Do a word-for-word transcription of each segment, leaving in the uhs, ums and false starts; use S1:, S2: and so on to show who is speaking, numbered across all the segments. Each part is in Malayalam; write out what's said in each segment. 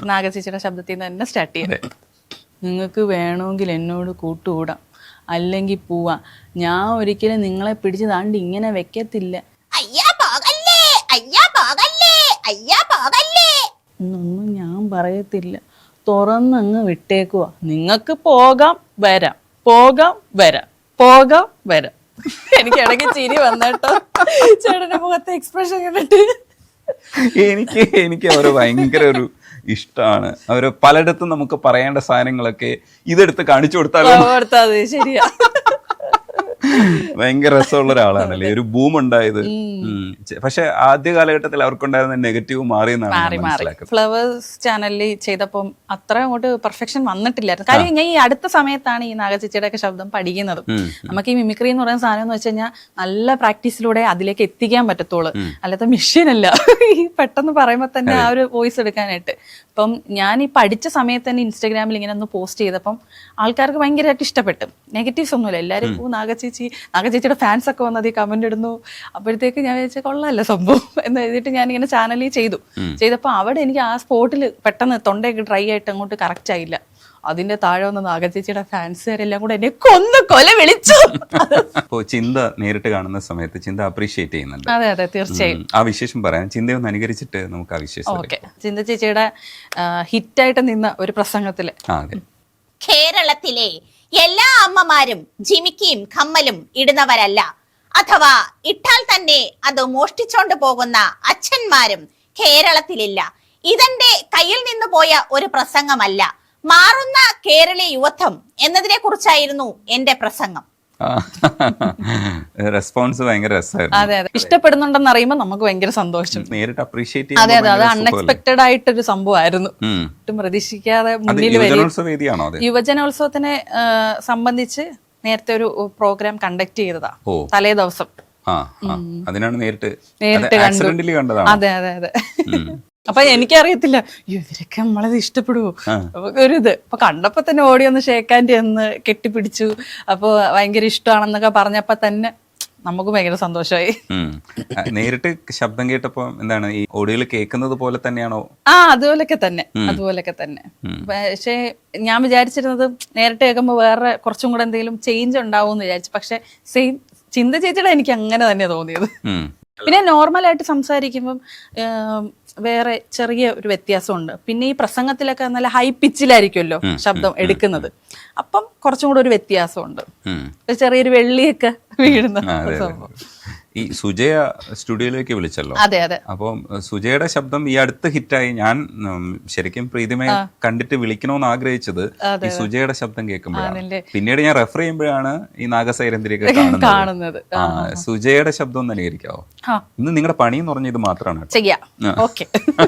S1: നാഗചേച്ചിയുടെ ശബ്ദത്തിൽ നിന്ന് തന്നെ സ്റ്റാർട്ട് ചെയ്യാം. നിങ്ങൾക്ക് വേണമെങ്കിൽ എന്നോട് കൂട്ടുകൂടാം, അല്ലെങ്കിൽ പോവാം. ഞാൻ ഒരിക്കലും നിങ്ങളെ പിടിച്ച് താണ്ടി ഇങ്ങനെ വെക്കത്തില്ല. എന്നൊന്നും ഞാൻ പറയത്തില്ല. തുറന്നങ്ങ് വിട്ടേക്കുവാ. നിങ്ങൾക്ക് പോകാം വരാം, പോകാം വരാം, പോകാം വരാം. എനിക്ക് ഇടയ്ക്ക് ചിരി വന്നേട്ടോ ചേട്ടന്റെ മുഖത്തെ എക്സ്പ്രഷൻ കണ്ടിട്ട്.
S2: എനിക്ക് എനിക്ക് അവര് ഭയങ്കര ഒരു ഇഷ്ടമാണ്. അവര് പലയിടത്തും നമുക്ക് പറയേണ്ട സാധനങ്ങളൊക്കെ ഇതെടുത്ത് കാണിച്ചു കൊടുത്താലോ.
S1: ശരിയാ,
S2: ഭയങ്കര രസമുള്ള ഒരാളാണല്ലേ. ഒരു ബൂം ഉണ്ടായത്. പക്ഷെ ആദ്യ കാലഘട്ടത്തിൽ അവർക്കുണ്ടായിരുന്ന നെഗറ്റീവ് മാറിയെന്നാണ് മനസ്സിലാക്കുന്നത്.
S1: ഫ്ലവേഴ്സ് ചാനലിൽ ചെയ്തപ്പം അത്ര അങ്ങോട്ട് പെർഫെക്ഷൻ വന്നിട്ടില്ലായിരുന്നു. കാര്യം ഞാൻ ഈ അടുത്ത സമയത്താണ് ഈ നാഗചേച്ചിയുടെ ഒക്കെ ശബ്ദം പഠിക്കുന്നത്. നമുക്ക് ഈ മിമിക്രി എന്ന് പറയുന്ന സാധനം എന്ന് വെച്ച് കഴിഞ്ഞാൽ നല്ല പ്രാക്ടീസിലൂടെ അതിലേക്ക് എത്തിക്കാൻ പറ്റത്തുള്ളൂ. അല്ലാത്ത മെഷീൻ അല്ല ഈ പെട്ടെന്ന് പറയുമ്പോൾ തന്നെ ആ ഒരു വോയിസ് എടുക്കാനായിട്ട്. അപ്പം ഞാൻ ഈ പഠിച്ച സമയത്ത് തന്നെ ഇൻസ്റ്റാഗ്രാമിൽ ഇങ്ങനെ ഒന്ന് പോസ്റ്റ് ചെയ്തപ്പം ആൾക്കാർക്ക് ഭയങ്കരമായിട്ട് ഇഷ്ടപ്പെട്ടു. നെഗറ്റീവ്സ് ഒന്നുമില്ല. എല്ലാവരും ഓ നാഗചേച്ചി നാഗചേച്ചിയുടെ ഫാൻസ് ഒക്കെ വന്നത് ഈ കമന്റ് ഇടുന്നു. അപ്പോഴത്തേക്ക് ഞാൻ വിചാരിച്ച കൊള്ളാമല്ല സംഭവം എന്ന് എഴുതിയിട്ട് ഞാൻ ഇങ്ങനെ ചാനലിൽ ചെയ്തു. ചെയ്തപ്പോൾ അവിടെ എനിക്ക് ആ സ്പോട്ടിൽ പെട്ടെന്ന് തൊണ്ടയൊക്കെ ഡ്രൈ ആയിട്ട് അങ്ങോട്ട് കറക്റ്റ് ആയില്ല. അതിന്റെ താഴെ വന്ന നാഗചേച്ചിയുടെ ഫാൻസുകാരെല്ലാം കൂടെ എന്നെ കൊന്ന് കൊല വിളിച്ചു.
S2: അപ്പോൾ ചിന്ത നേരിട്ട് കാണുന്ന സമയത്ത് ചിന്ത അപ്രീഷിയേറ്റ് ചെയ്യുന്നുണ്ട്.
S1: അതെ അതെ തീർച്ചയായും.
S2: ആ വിശേഷം പറയാം. ചിന്തയൊന്ന് അനുകരിച്ചിട്ട് നമുക്ക് ആ വിശേഷം.
S1: ഓക്കെ. ചിന്ത ചേച്ചിയുടെ ഹിറ്റായിട്ട് നിന്ന ഒരു പ്രസംഗത്തില്,
S3: കേരളത്തിലെ എല്ലാ അമ്മമാരും ജിമിക്കിയും കമ്മലും ഇടുന്നവരല്ല, അഥവാ ഇട്ടാൽ തന്നെ അത് മോഷ്ടിച്ചോണ്ട് പോകുന്ന അച്ഛന്മാരും കേരളത്തിലില്ല. ഇതെന്റെ കയ്യിൽ നിന്ന് പോയ ഒരു പ്രസംഗമല്ല, മാറുന്ന കേരളീയ യുവത്വം എന്നതിനെ കുറിച്ചായിരുന്നു എന്റെ പ്രസംഗം.
S2: റെസ്പോൺസ് ഭയങ്കര രസമായിരുന്നു.
S1: അതെ അതെ, ഇഷ്ടപ്പെടുന്നുണ്ടെന്ന് അറിയുമ്പോൾ നമുക്ക് ഭയങ്കര സന്തോഷം.
S2: നേരിട്ട് അപ്രീഷിയേറ്റ്.
S1: അതെ അതെ, അത് അൺഎക്സ്പെക്ടഡ് ആയിട്ടൊരു സംഭവമായിരുന്നു. ഒട്ടും പ്രതീക്ഷിക്കാതെ മുന്നിൽ വരും. യുവജനോത്സവത്തിനെ സംബന്ധിച്ച് നേരത്തെ ഒരു പ്രോഗ്രാം കണ്ടക്ട് ചെയ്തതാ തലേ ദിവസം.
S2: അതിനാണ് നേരിട്ട്
S1: നേരിട്ട് കണ്ടു. അതെ അതെ അതെ. അപ്പൊ എനിക്കറിയത്തില്ല ഇവരൊക്കെ നമ്മളത് ഇഷ്ടപ്പെടുവോ ഒരു ഇത്. അപ്പൊ കണ്ടപ്പോ തന്നെ ഓടി ഒന്ന് ഷേക്കാൻ്റെ ഒന്ന് കെട്ടിപ്പിടിച്ചു. അപ്പൊ ഭയങ്കര ഇഷ്ടമാണെന്നൊക്കെ പറഞ്ഞപ്പോ തന്നെ നമുക്ക് ഭയങ്കര സന്തോഷമായി.
S2: നേരിട്ട് ശബ്ദം കേട്ടപ്പോ എന്താണ് ഈ ഓഡിയോയിൽ കേൾക്കുന്നത് പോലെ തന്നെയാണോ?
S1: ആ അതുപോലൊക്കെ തന്നെ, അതുപോലൊക്കെ തന്നെ. പക്ഷെ ഞാൻ വിചാരിച്ചിരുന്നത് നേരിട്ട് കേൾക്കുമ്പോ വേറെ കുറച്ചും കൂടെ എന്തെങ്കിലും ചേഞ്ച് ഉണ്ടാവും എന്ന് വിചാരിച്ചു. പക്ഷെ സെയിം ചിന്ത ചേച്ചിയുടെ എനിക്ക് അങ്ങനെ തന്നെ തോന്നിയത്. പിന്നെ നോർമലായിട്ട് സംസാരിക്കുമ്പം വേറെ ചെറിയ ഒരു വ്യത്യാസമുണ്ട്. പിന്നെ ഈ പ്രസംഗത്തിലൊക്കെ നല്ല ഹൈ പിച്ചിലായിരിക്കുമല്ലോ ശബ്ദം എടുക്കുന്നത്. അപ്പം കുറച്ചും കൂടെ ഒരു വ്യത്യാസമുണ്ട്, ചെറിയൊരു വെള്ളിയൊക്കെ വീഴുന്ന സംഭവം.
S2: ഈ സുജയ സ്റ്റുഡിയോയിലേക്ക് വിളിച്ചല്ലോ.
S1: അതെ അതെ.
S2: അപ്പം സുജയുടെ ശബ്ദം ഈ അടുത്ത് ഹിറ്റായി. ഞാൻ ശരിക്കും പ്രീതിമയെ കണ്ടിട്ട് വിളിക്കണമെന്ന് ആഗ്രഹിച്ചത് ഈ സുജയുടെ ശബ്ദം കേൾക്കുമ്പോഴാണ്. പിന്നീട് ഞാൻ റെഫർ ചെയ്യുമ്പോഴാണ് ഈ നാഗസൈരന്തിരിയൊക്കെ കാണുന്നത്. സുജയുടെ ശബ്ദം ഒന്ന് അനുകരിക്കാവോ? ഇന്ന് നിങ്ങളുടെ പണി എന്ന് പറഞ്ഞ ഇത് മാത്രമാണ്.
S1: ചെയ്യാം. ഓക്കെ.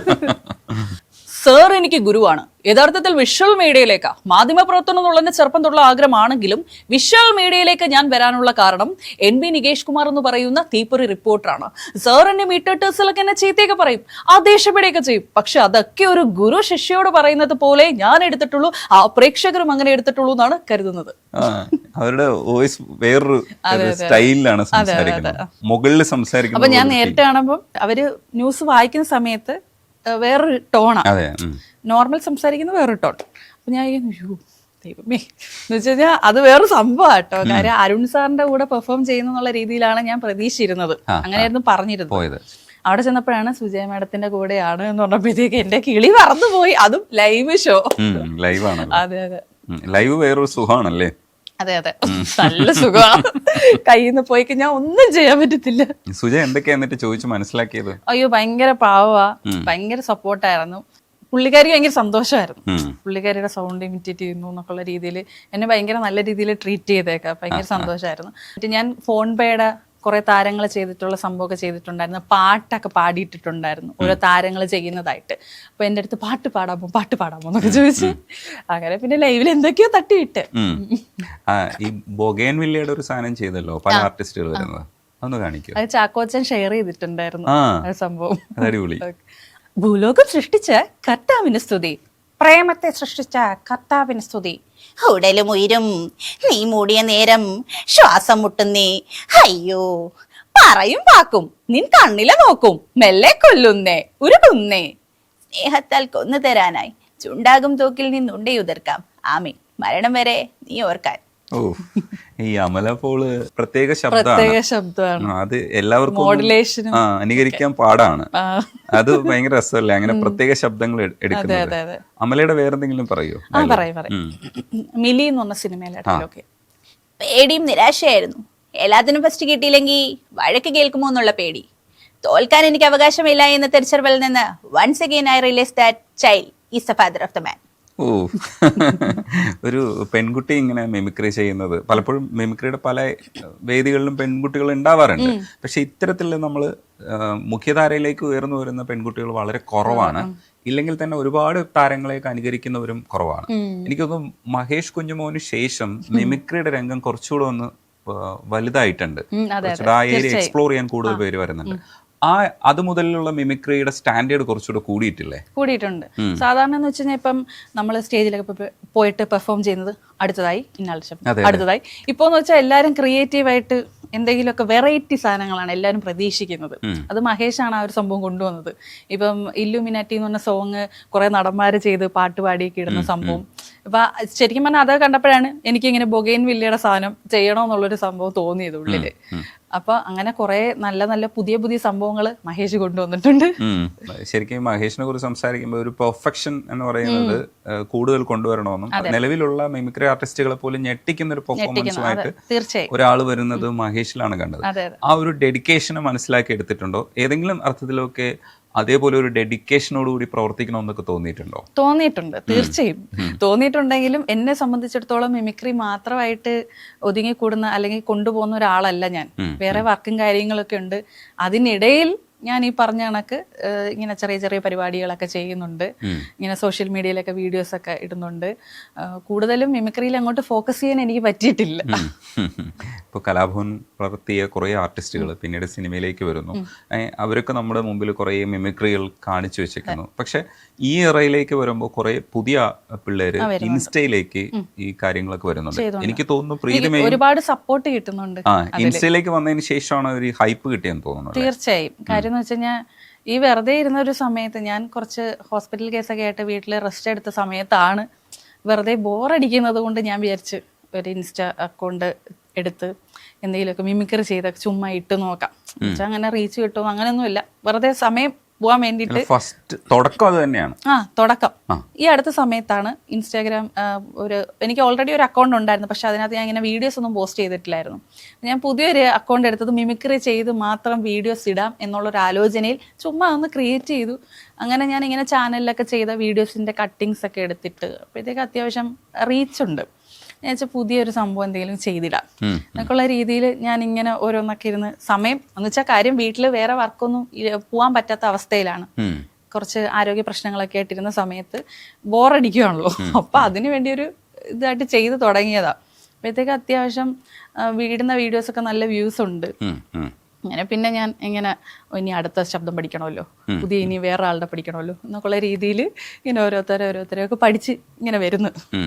S1: സാർ എനിക്ക് ഗുരുവാണ്. യഥാർത്ഥത്തിൽ വിഷ്വൽ മീഡിയയിലേക്ക് മാധ്യമപ്രവർത്തനം എന്നുള്ള ചെറുപ്പം തൊട്ടുള്ള ആഗ്രഹമാണെങ്കിലും വിഷ്വൽ മീഡിയയിലേക്ക് ഞാൻ വരാനുള്ള കാരണം എൻ ബി നികേഷ് കുമാർ എന്ന് പറയുന്ന തീപ്പൊരി റിപ്പോർട്ടറാണ്. സാർ എന്നെ മീറ്റേഴ്സിലൊക്കെ എന്നെ ചീത്തയൊക്കെ പറയും, ആദേശപ്പെടുകയൊക്കെ ചെയ്യും. പക്ഷെ അതൊക്കെ ഒരു ഗുരു ശിഷ്യയോട് പറയുന്നത് പോലെ ഞാൻ എടുത്തിട്ടുള്ളൂ, ആ പ്രേക്ഷകരും അങ്ങനെ എടുത്തിട്ടുള്ളൂ എന്നാണ് കരുതുന്നത്.
S2: അവരുടെ വോയിസ് വേറൊരു സ്റ്റൈലിലാണ് സംസാരിക്കുന്നത്, മുകളിൽ സംസാരിക്കുന്നത്.
S1: അപ്പൊ ഞാൻ നേരിട്ട് കാണുമ്പോൾ അവര് ന്യൂസ് വായിക്കുന്ന സമയത്ത് വേറൊരു ടോണാണ്, നോർമൽ സംസാരിക്കുന്ന വേറൊരു ടോൺ. അപ്പൊ ഞാൻ അയ്യോ ദൈവമേ എന്ന് വെച്ച് കഴിഞ്ഞാൽ അത് വേറൊരു സംഭവം കേട്ടോ. കാര്യം അരുൺ സാറിന്റെ കൂടെ പെർഫോം ചെയ്യുന്നുള്ള രീതിയിലാണ് ഞാൻ പ്രതീക്ഷിച്ചിരുന്നത്. അങ്ങനെയായിരുന്നു പറഞ്ഞിരുന്നത്. അവിടെ ചെന്നപ്പോഴാണ് സുജയ മാഡത്തിന്റെ കൂടെയാണ് എന്ന് പറഞ്ഞപ്പോഴത്തേക്ക് എന്റെ കിളി പറന്നുപോയി. അതും ലൈവ് ഷോ,
S2: ലൈവാണ്.
S1: അതെ അതെ,
S2: ലൈവ് വേറൊരു സുഖമാണല്ലേ.
S1: അതെ അതെ, നല്ല സുഖമാണ്. കയ്യിൽ നിന്ന് പോയി കഴിഞ്ഞാൽ ഒന്നും ചെയ്യാൻ പറ്റത്തില്ല.
S2: സുജയ എന്തൊക്കെയാ എന്നിട്ട് ചോദിച്ചു മനസ്സിലാക്കിയത്?
S1: അയ്യോ ഭയങ്കര പാവാ, ഭയങ്കര സപ്പോർട്ടായിരുന്നു. പുള്ളിക്കാരിക്ക് ഭയങ്കര സന്തോഷമായിരുന്നു. പുള്ളിക്കാരിയുടെ സൗണ്ട് ഇമിറ്റേറ്റ് ചെയ്യുന്നു എന്നൊക്കെയുള്ള രീതിയിൽ എന്നെ ഭയങ്കര നല്ല രീതിയിൽ ട്രീറ്റ് ചെയ്തേക്കാം. ഭയങ്കര സന്തോഷമായിരുന്നു. എന്നിട്ട് ഞാൻ ഫോൺ പേയുടെ കുറെ താരങ്ങൾ ചെയ്തിട്ടുള്ള സംഭവമൊക്കെ ചെയ്തിട്ടുണ്ടായിരുന്നു. പാട്ടൊക്കെ പാടിയിട്ടിട്ടുണ്ടായിരുന്നു ഓരോ താരങ്ങൾ ചെയ്യുന്നതായിട്ട്. അപ്പൊ എന്റെ അടുത്ത് പാട്ട് പാടാമോ പാട്ട് പാടാമോ എന്നൊക്കെ ചോദിച്ചു. അങ്ങനെ പിന്നെ ലൈവിൽ എന്തൊക്കെയോ തട്ടിയിട്ട്.
S2: ഈ ബൊഗേൻവില്ലയുടെ ഒരു സാധനം ചെയ്തല്ലോ പല ആർട്ടിസ്റ്റുകൾ വരുന്നത്, അതൊന്ന് കാണിക്കോ?
S1: അത് ചാക്കോച്ചൻ ഷെയർ ചെയ്തിട്ടുണ്ടായിരുന്നു ആ സംഭവം.
S2: അടിപൊളി.
S1: ഭൂലോകം സൃഷ്ടിച്ച കർത്താവിന് സ്തുതി, പ്രേമത്തെ സൃഷ്ടിച്ച കർത്താവിന് സ്തുതി.
S3: ഉടലും ഉയരും നീ മൂടിയ നേരം ശ്വാസം മുട്ടുന്നേ, അയ്യോ
S1: പറയും വാക്കും നിൻ കണ്ണിലെ നോക്കും മെല്ലെ കൊല്ലുന്നേ ഉരുകുന്നേ.
S3: സ്നേഹത്താൽ കൊന്നു തരാനായി ചുണ്ടാകും തോക്കിൽ നിന്നുണ്ടേ ഉതിർക്കാം ആമീൻ മരണം വരെ നീ ഓർക്കാൻ.
S2: ഓ ഈ അമല പോള് പ്രത്യേക
S1: പ്രത്യേക
S2: ശബ്ദമാണ്.
S1: ശബ്ദമാണ്.
S2: ആ, അത് എല്ലാവർക്കും
S1: മോഡുലേഷനും
S2: ആ അനുകരിക്കാൻ പാടാണ്.
S1: ആ.
S2: അത് ഭയങ്കര രസമല്ലേ അങ്ങനെ പ്രത്യേക ശബ്ദങ്ങൾ എ- എടുക്കുന്നത്.
S1: അതെ, അതെ.
S2: അമലയുടെ വേറെന്തെങ്കിലും പറയോ?
S1: ആ പറയും പറയും മിലി എന്ന് പറഞ്ഞ സിനിമയിലായിട്ടൊക്കെ
S3: പേടിയും നിരാശയായിരുന്നു. എല്ലാത്തിനും ഫസ്റ്റ് കിട്ടിയില്ലെങ്കിൽ വഴക്ക് കേൾക്കുമോ എന്നുള്ള പേടി. തോൽക്കാൻ എനിക്ക് അവകാശമില്ല എന്ന തിരിച്ചറിവിൽ നിന്ന് once again I realise that child is the father of the man.
S2: ഓ ഒരു പെൺകുട്ടി ഇങ്ങനെ മിമിക്രി ചെയ്യുന്നത് പലപ്പോഴും മിമിക്രിയുടെ പല വേദികളിലും പെൺകുട്ടികൾ ഉണ്ടാവാറുണ്ട്. പക്ഷെ ഇത്തരത്തിൽ നമ്മൾ മുഖ്യധാരയിലേക്ക് ഉയർന്നു വരുന്ന പെൺകുട്ടികൾ വളരെ കുറവാണ്. ഇല്ലെങ്കിൽ തന്നെ ഒരുപാട് താരങ്ങളെയൊക്കെ അനുകരിക്കുന്നവരും കുറവാണ്. എനിക്കൊന്നും മഹേഷ് കുഞ്ഞുമോന് ശേഷം മിമിക്രിയുടെ രംഗം കുറച്ചുകൂടെ ഒന്ന് വലുതായിട്ടുണ്ട്. കുറച്ചുകൂടെ ആ ഏരിയ എക്സ്പ്ലോർ ചെയ്യാൻ കൂടുതൽ പേര് വരുന്നുണ്ട്. ആ അത് മുതലുള്ള മിമിക്രിയുടെ സ്റ്റാൻഡേർഡ് കുറച്ചുകൂടെ കൂടിയിട്ടില്ലേ?
S1: കൂടിയിട്ടുണ്ട്. സാധാരണ എന്ന് വെച്ച് കഴിഞ്ഞാൽ ഇപ്പം നമ്മൾ സ്റ്റേജിലൊക്കെ പോ- പോയിട്ട് പെർഫോം ചെയ്യുന്നത് അടുത്തതായി ഇന്നാളുടെ ശബ്ദം അടുത്തതായി ഇപ്പോന്ന് വെച്ചാൽ എല്ലാവരും ക്രിയേറ്റീവായിട്ട് എന്തെങ്കിലുമൊക്കെ വെറൈറ്റി സാധനങ്ങളാണ് എല്ലാവരും പ്രതീക്ഷിക്കുന്നത്. അത് മഹേഷാണ് ആ ഒരു സംഭവം കൊണ്ടുവന്നത്. ഇപ്പം ഇല്ലുമിനാറ്റി എന്ന് പറഞ്ഞ സോങ് കുറെ നടന്മാര് ചെയ്ത് പാട്ട് പാടിയൊക്കെ ഇടുന്ന സംഭവം. അപ്പൊ ശരിക്കും പറഞ്ഞാൽ അത് കണ്ടപ്പോഴാണ് എനിക്കിങ്ങനെ ബൊഗൈൻ വില്ലയുടെ സാധനം ചെയ്യണമെന്നുള്ളൊരു സംഭവം തോന്നിയത് ഉള്ളില്. അപ്പൊ അങ്ങനെ കുറെ നല്ല നല്ല പുതിയ പുതിയ സംഭവങ്ങൾ മഹേഷ് കൊണ്ടുവന്നിട്ടുണ്ട്.
S2: ശരിക്കും മഹേഷിനെ കുറിച്ച് സംസാരിക്കുമ്പോൾ ഒരു പെർഫെക്ഷൻ എന്ന് പറയുന്നത് കൂടുതൽ കൊണ്ടുവരണമെന്നും നിലവിലുള്ള മിമിക്രി ആർട്ടിസ്റ്റുകളെ പോലും ഞെട്ടിക്കുന്ന ഒരു പെർഫോമൻസുമായിട്ട്
S1: തീർച്ചയായും
S2: ഒരാൾ വരുന്നത് മഹേഷിലാണ് കണ്ടത്.
S1: അതെ അതെ
S2: ആ ഒരു ഡെഡിക്കേഷനെ മനസ്സിലാക്കി എടുത്തിട്ടുണ്ടോ? ഏതെങ്കിലും അർത്ഥത്തിലൊക്കെ അതേപോലെ ഒരു ഡെഡിക്കേഷനോടുകൂടി പ്രവർത്തിക്കണമെന്നൊക്കെ തോന്നിയിട്ടുണ്ടോ?
S1: തോന്നിയിട്ടുണ്ട്, തീർച്ചയായും തോന്നിയിട്ടുണ്ടെങ്കിലും എന്നെ സംബന്ധിച്ചിടത്തോളം മിമിക്രി മാത്രമായിട്ട് ഒതുങ്ങിക്കൂടുന്ന അല്ലെങ്കിൽ കൊണ്ടുപോകുന്ന ഒരാളല്ല ഞാൻ. വേറെ വർക്കും കാര്യങ്ങളൊക്കെ ഉണ്ട്. അതിനിടയിൽ ഞാൻ ഈ പറഞ്ഞ കണക്ക് ഇങ്ങനെ ചെറിയ ചെറിയ പരിപാടികളൊക്കെ ചെയ്യുന്നുണ്ട്. ഇങ്ങനെ സോഷ്യൽ മീഡിയയിലൊക്കെ വീഡിയോസ് ഒക്കെ ഇടുന്നുണ്ട്. കൂടുതലും മിമിക്രിയിൽ അങ്ങോട്ട് ഫോക്കസ് ചെയ്യാൻ എനിക്ക് പറ്റിയിട്ടില്ല.
S2: ഇപ്പോൾ കലാഭവൻ വളർത്തിയ കുറേ ആർട്ടിസ്റ്റുകൾ പിന്നീട് സിനിമയിലേക്ക് വരുന്നു. അവരൊക്കെ നമ്മുടെ മുമ്പിൽ കുറേ മിമിക്രികൾ കാണിച്ചു വെച്ചിരിക്കുന്നു. പക്ഷെ ഈ ഇറയിലേക്ക് വരുമ്പോൾ കുറേ പുതിയ പിള്ളേര് ഇൻസ്റ്റയിലേക്ക് ഈ കാര്യങ്ങളൊക്കെ വരുന്നുണ്ട്. എനിക്ക് തോന്നുന്നു പ്രീതിമേ
S1: ഒരുപാട് സപ്പോർട്ട് കിട്ടുന്നുണ്ട്.
S2: ആ ഇൻസ്റ്റയിലേക്ക് വന്നതിന് ശേഷമാണ് ഒരു ഹൈപ്പ് കിട്ടിയെന്ന് തോന്നുന്നു.
S1: തീർച്ചയായും. കാര്യം എന്ന് വെച്ച് കഴിഞ്ഞാൽ ഈ വെറുതെ ഇരുന്ന ഒരു സമയത്ത് ഞാൻ കുറച്ച് ഹോസ്പിറ്റൽ കേസൊക്കെ ആയിട്ട് വീട്ടിൽ റെസ്റ്റ് എടുത്ത സമയത്താണ് വെറുതെ ബോറടിക്കുന്നത് കൊണ്ട് ഞാൻ വിചാരിച്ച് ഒരു ഇൻസ്റ്റ അക്കൗണ്ട് എടുത്ത് എന്തെങ്കിലുമൊക്കെ മിമിക്രി ചെയ്ത ചുമ്മാ ഇട്ട് നോക്കാം. എന്നുവെച്ചാൽ അങ്ങനെ റീച്ച് കിട്ടും അങ്ങനെയൊന്നുമില്ല. വെറുതെ സമയം പോകാൻ വേണ്ടിയിട്ട്
S2: ഫസ്റ്റ് തുടക്കം അത് തന്നെയാണ്.
S1: ആ തുടക്കം ഈ അടുത്ത സമയത്താണ് ഇൻസ്റ്റാഗ്രാം ഒരു എനിക്ക് ഓൾറെഡി ഒരു അക്കൗണ്ട് ഉണ്ടായിരുന്നു. പക്ഷെ അതിനകത്ത് ഞാൻ ഇങ്ങനെ വീഡിയോസ് ഒന്നും പോസ്റ്റ് ചെയ്തിട്ടില്ലായിരുന്നു. ഞാൻ പുതിയൊരു അക്കൗണ്ട് എടുത്തത് മിമിക്രി ചെയ്ത് മാത്രം വീഡിയോസ് ഇടാം എന്നുള്ളൊരു ആലോചനയിൽ ചുമ്മാ ഒന്ന് ക്രിയേറ്റ് ചെയ്തു. അങ്ങനെ ഞാൻ ഇങ്ങനെ ചാനലിലൊക്കെ ചെയ്ത വീഡിയോസിന്റെ കട്ടിങ്സ് ഒക്കെ എടുത്തിട്ട് അപ്പോഴത്തേക്ക് അത്യാവശ്യം റീച്ചുണ്ട്. ഞാൻ വെച്ചാൽ പുതിയൊരു സംഭവം എന്തെങ്കിലും ചെയ്തിടാം എന്നൊക്കെയുള്ള രീതിയിൽ ഞാൻ ഇങ്ങനെ ഓരോന്നൊക്കെ ഇരുന്ന് സമയം എന്ന് വെച്ചാൽ കാര്യം വീട്ടിൽ വേറെ വർക്കൊന്നും പോകാൻ പറ്റാത്ത അവസ്ഥയിലാണ്. കുറച്ച് ആരോഗ്യ പ്രശ്നങ്ങളൊക്കെ ആയിട്ടിരുന്ന സമയത്ത് ബോറടിക്കുകയാണല്ലോ. അപ്പൊ അതിനു വേണ്ടി ഒരു ഇതായിട്ട് ചെയ്ത് തുടങ്ങിയതാ. അപ്പോഴത്തേക്ക് അത്യാവശ്യം വീടുന്ന വീഡിയോസ് ഒക്കെ നല്ല വ്യൂസ് ഉണ്ട്. അങ്ങനെ പിന്നെ ഞാൻ ഇങ്ങനെ ഇനി അടുത്ത ശബ്ദം പഠിക്കണമല്ലോ, പുതിയ ഇനി വേറെ ആളുടെ പഠിക്കണമല്ലോ എന്നൊക്കെയുള്ള രീതിയിൽ ഇങ്ങനെ ഓരോരുത്തരെ ഓരോരുത്തരെയൊക്കെ പഠിച്ച് ഇങ്ങനെ വരുന്നു.